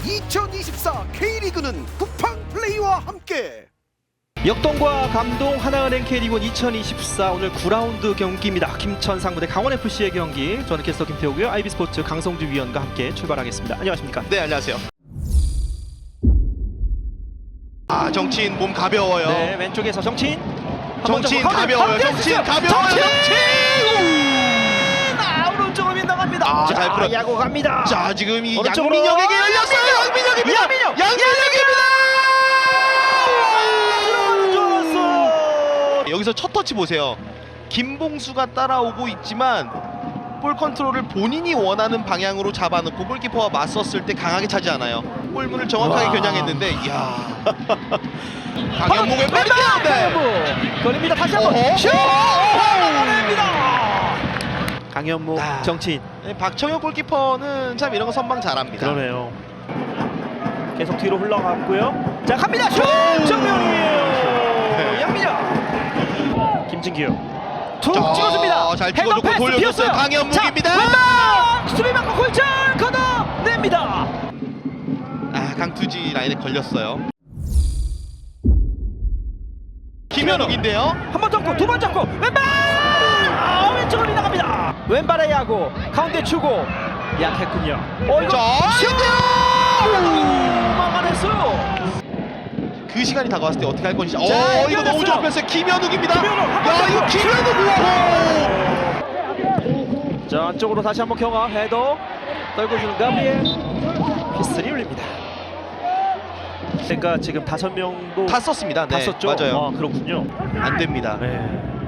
2024 K리그는 쿠팡 플레이와 함께. 역동과 감동 하나은행 K리그 2024 오늘 9라운드 경기입니다. 김천 상무대 강원FC의 경기. 저는 캐스터 김태호고요. IB스포츠 강성주 위원과 함께 출발하겠습니다. 안녕하십니까? 네, 안녕하세요. 정치인 몸 가벼워요. 네, 왼쪽에서 정치인. 정치인 가벼워요. 정치인 가벼워요. 정치인! 오른쪽으로 빗나갑니다. 잘 풀어. 야구 갑니다. 자, 지금 이 오른쪽으로. 양민혁에게 열렸어요. 양민혁입니다. 양민혁입니다. 여기서 첫 터치 보세요. 김봉수가 따라오고 있지만 볼 컨트롤을 본인이 원하는 방향으로 잡아놓고 골키퍼와 맞섰을 때 강하게 차지 않아요. 골문을 정확하게 겨냥했는데, 이야. 강현무 왼발인데 걸립니다. 다시 한번 슛! 막아냅니다. 강현무 정치인. 박청혁 골키퍼는 참 이런 거 선방 잘합니다. 그러네요. 계속 뒤로 흘러갔고요. 자, 갑니다. 슛! 정면이에요. 양민혁. 김진규. 툭 찍어줍니다. 잘 찍어줬고 돌려줬어요. 강현무입니다. 왼발! 수비 맞고 골절 걷어냅니다. 강투지 라인에 걸렸어요. 김현욱인데요. 한 번 잡고 두 번 잡고 왼발! 왼쪽으로 나갑니다. 왼발의 야구 가운데 주고 약했군요. 이거 슛! 막아냈어요. 그 시간이 다가왔을 때 어떻게 할 건지. 이거 너무 연결됐어요. 좋았어요. 김현욱입니다. 김현욱, 이거 김현욱. 자, 안쪽으로 다시 한번 경화 헤더 떨궈주는 가브리엘. 피스리 울립니다. 그러니까 지금 5명도 다 썼습니다. 네, 다 썼죠? 맞아요. 그렇군요. 안 됩니다. 네.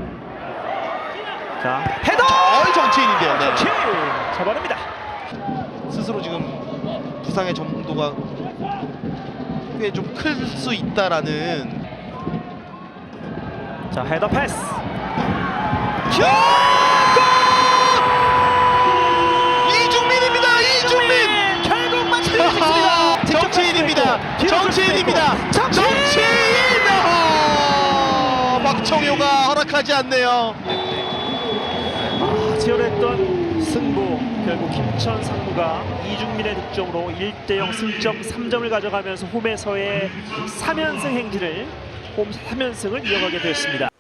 자, 헤더! 정치인인데요. 네. 정치인! 잡아냅니다. 스스로 지금 부상의 정도가 꽤 좀 클 수 있다라는. 자, 헤더 패스. 슛! 이중민입니다. 이중민. 결국 맞춰주겠습니다. 정치인입니다. 정치인입니다. 정치인! 박청효가 허락하지 않네요. 치열했던 승부. 결국 김천 상무가 이중민의 득점으로 1대0 승점 3점을 가져가면서 홈에서의 3연승 행진을 홈 3연승을 이어가게 되었습니다.